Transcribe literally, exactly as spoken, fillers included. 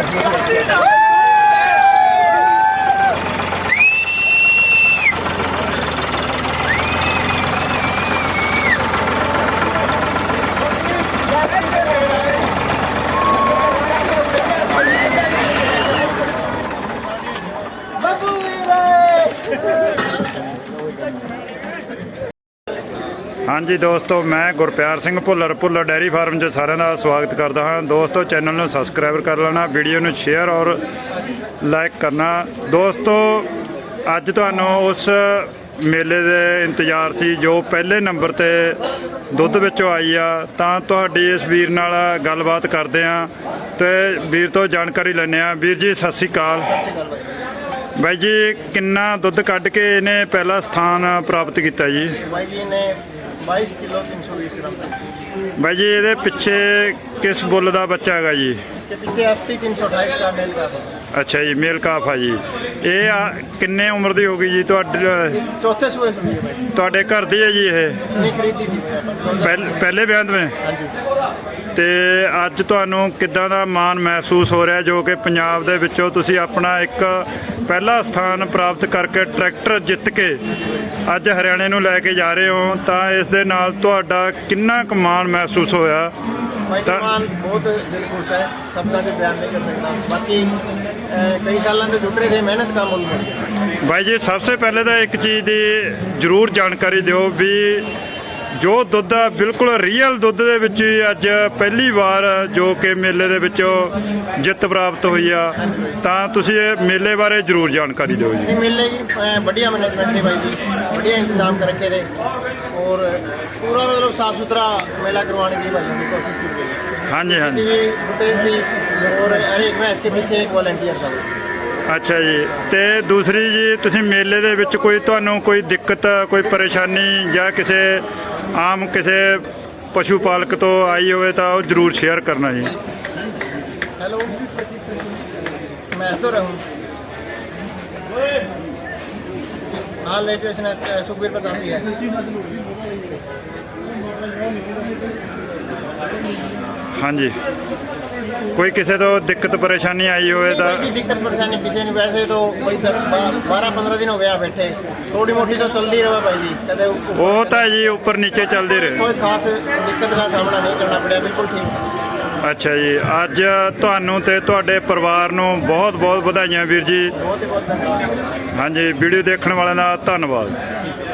हाँ जी दोस्तों, मैं गुरप्यार सिंह भुल्लर भुल्लर डेयरी फार्म च सारे का स्वागत करता हाँ। दोस्तों चैनल में सबसक्राइब कर लेना, वीडियो में शेयर और लाइक करना। दोस्तों अज तुहानू उस मेले के इंतजार सी जो पहले नंबर पर दुध विचों आई आ, तां तुहाडी इस वीर नाल गलबात करते हैं तो वीर तो जानकारी लैने आ। वीर जी सत श्री अकाल। भाई जी किन्ना दुध कढ़ के इन्हें पहला स्थान प्राप्त किया जी? भाई जी ने बाईस किलो तीन सौ बीस ग्राम। भाई जी ये पिछे किस बुल का बच्चा है जी? इसके पीछे एफ टी तीन सौ अठाईस का मेल काफ है। अच्छा जी, मेल काफ है जी। ये किन्ने उम्र की होगी जी? चौथे सूए सुनी है भाई। तुहाडे घर दी है जी ये? नहीं खरीदी थी पहले पहले ब्याह में? हाँ जी। ਤੇ ਅੱਜ ਤੁਹਾਨੂੰ ਕਿੱਦਾਂ ਦਾ ਮਾਣ ਮਹਿਸੂਸ ਹੋ ਰਿਹਾ ਜੋ ਕਿ ਪੰਜਾਬ ਦੇ ਵਿੱਚੋਂ ਤੁਸੀਂ ਆਪਣਾ ਇੱਕ ਪਹਿਲਾ ਸਥਾਨ ਪ੍ਰਾਪਤ ਕਰਕੇ ਟਰੈਕਟਰ ਜਿੱਤ ਕੇ ਅੱਜ ਹਰਿਆਣੇ ਨੂੰ ਲੈ ਕੇ ਜਾ ਰਹੇ ਹੋ, ਤਾਂ ਇਸ ਦੇ ਨਾਲ ਤੁਹਾਡਾ ਕਿੰਨਾ ਕੁ ਮਾਣ ਮਹਿਸੂਸ ਹੋਇਆ? माण बहुत दिल खुश है, शब्दों से बयान नहीं कर सकता। बाकी कई सालों से जुट रहे थे, मेहनत का मुल मिल गया। भाई जी सबसे पहले तो एक चीज़ की जरूर जानकारी दिओ भी जो दुध बिल्कुल रीयल दुध दे विच अज पहली बार जो कि मेले दे विचों जित प्राप्त हुई आ, तां तुसीं मेले बारे जरूर जानकारी दिओ जी। मेले की बढ़िया मैनेजमेंट थी भाई जी, बढ़िया इंतजाम कर रखे थे और पूरा मतलब साफ सुथरा मेला करवाने की भाई की कोशिश की गई। हाँ जी हाँ जी फुटेज थी और हर एक मैच के पीछे एक वॉलंटियर था। अच्छा जी, तो दूसरी जी तुसीं मेले दे विच कोई तुहानूं कोई दिक्कत कोई परेशानी या किसी आम किसी पशु पालक तो आई हो तो जरूर शेयर करना जी। हेलो मैं तो रहूँ हाँ लेके इसने सुखबीर बताती है। हाँ जी, कोई किसी तो दिक्कत परेशानी आई हो तो? दिक्कत परेशानी किसी ने, वैसे तो कोई दस बारह पंद्रह दिन हो गया बैठे, थोड़ी मोटी तो चलती रहा भाई जी। कदे वो तो है जी, ऊपर नीचे चलती रहे, कोई खास दिक्कत का सामना नहीं करना पड़ा, बिल्कुल ठीक। अच्छा जी, अज तुहानू ते तुहाडे परिवार नू बहुत बहुत बधाइयां वीर जी। बहुत ही बहुत धन्यवाद। हाँ जी, वीडियो देखने वाले का धन्यवाद।